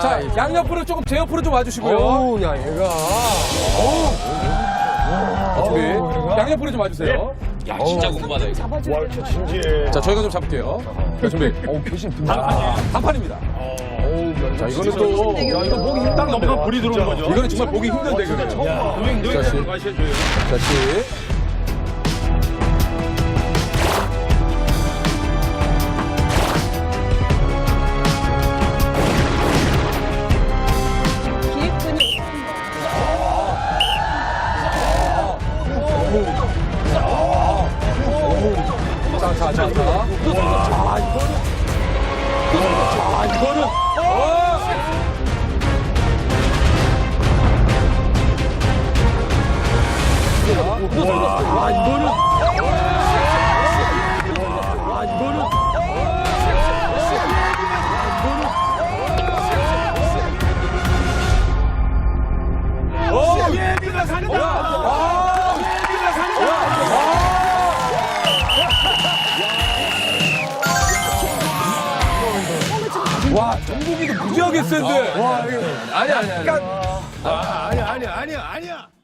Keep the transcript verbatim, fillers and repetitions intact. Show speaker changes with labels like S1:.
S1: 자, 양옆으로 조금 제 옆으로 좀 와주시고요.
S2: 어우, 야, 얘가.
S1: 준비. 양옆으로 좀 와주세요.
S3: 야, 진짜 궁금하다, 이거.
S4: 와, 진짜 진지해.
S1: 자, 저희가 좀 잡을게요. 자, 준비.
S2: 어우, 표심
S1: 아, 단판입니다. 자, 이거는 또.
S2: 야, 이거 보기 힘들다.
S4: 너무나 불이 들어오는 거죠.
S1: 이거는 정말 보기 힘든 대결이에요.
S4: 노행, 노행
S1: 자, 씨.
S4: 가셔줘요.
S1: 자, 씨.
S5: 기획군이
S1: 자, 자, 자, 자. 아, 이거는. 아, 이거는. 어! 아, 이거는. 아, 이거는.
S4: 예비가 산다.
S1: 아!
S4: 예비가 산다.
S1: 와, 정국이도 무지하게 센데. 와, 이거. 아니야, 아니야. 아니야.
S4: 아, 아니야, 아니야, 아니야, 아니야.